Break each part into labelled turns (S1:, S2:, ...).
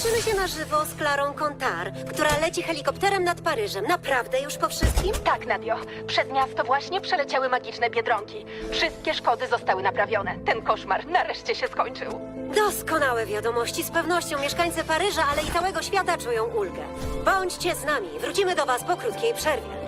S1: Łączymy się na żywo z Klarą Kontar, która leci helikopterem nad Paryżem. Naprawdę już po wszystkim?
S2: Tak, Nadio. Przez miasto właśnie przeleciały magiczne biedronki. Wszystkie szkody zostały naprawione. Ten koszmar nareszcie się skończył.
S1: Doskonałe wiadomości. Z pewnością mieszkańcy Paryża, ale i całego świata czują ulgę. Bądźcie z nami. Wrócimy do Was po krótkiej przerwie.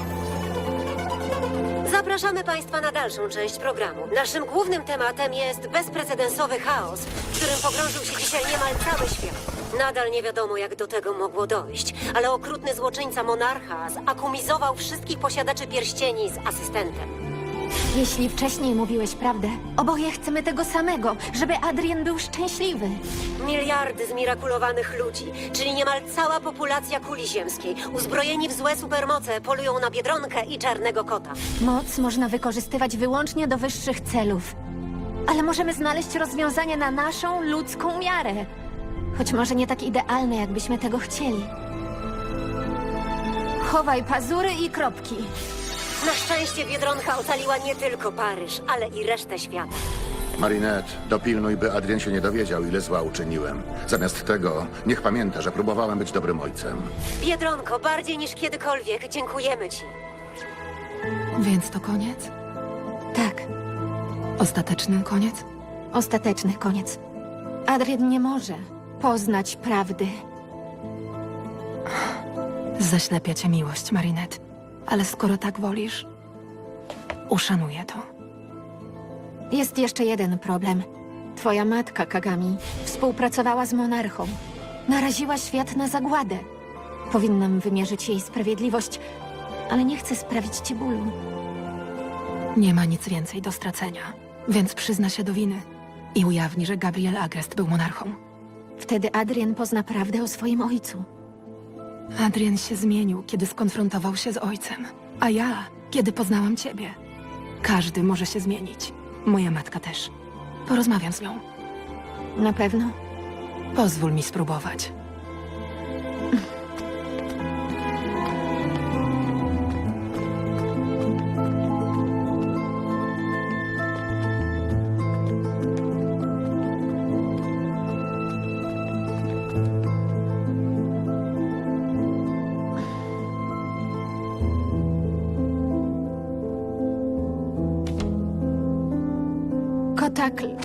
S1: Zapraszamy Państwa na dalszą część programu. Naszym głównym tematem jest bezprecedensowy chaos, w którym pogrążył się dzisiaj niemal cały świat. Nadal nie wiadomo, jak do tego mogło dojść, ale okrutny złoczyńca monarcha zakumizował wszystkich posiadaczy pierścieni z asystentem.
S3: Jeśli wcześniej mówiłeś prawdę, oboje chcemy tego samego, żeby Adrien był szczęśliwy.
S1: Miliardy zmirakulowanych ludzi, czyli niemal cała populacja kuli ziemskiej, uzbrojeni w złe supermoce, polują na Biedronkę i Czarnego Kota.
S3: Moc można wykorzystywać wyłącznie do wyższych celów. Ale możemy znaleźć rozwiązanie na naszą ludzką miarę. Choć może nie tak idealne, jakbyśmy tego chcieli. Chowaj pazury i kropki.
S1: Na szczęście Biedronka ocaliła nie tylko Paryż, ale i resztę świata.
S4: Marinette, dopilnuj, by Adrien się nie dowiedział, ile zła uczyniłem. Zamiast tego, niech pamięta, że próbowałem być dobrym ojcem.
S1: Biedronko, bardziej niż kiedykolwiek dziękujemy Ci.
S5: Więc to koniec?
S3: Tak,
S5: Ostateczny koniec?
S3: ostateczny koniec. Adrien nie może poznać prawdy.
S5: Zaślepia cię miłość, Marinette. Ale skoro tak wolisz, uszanuję to.
S3: Jest jeszcze jeden problem. Twoja matka, Kagami, współpracowała z monarchą. Naraziła świat na zagładę. Powinnam wymierzyć jej sprawiedliwość, ale nie chcę sprawić ci bólu.
S5: Nie ma nic więcej do stracenia, więc przyzna się do winy i ujawni, że Gabriel Agrest był monarchą.
S3: Wtedy Adrien pozna prawdę o swoim ojcu.
S5: Adrien się zmienił, kiedy skonfrontował się z ojcem, a ja, kiedy poznałam ciebie. Każdy może się zmienić. Moja matka też. Porozmawiam z nią.
S3: Na pewno?
S5: Pozwól mi spróbować.
S3: Kotakl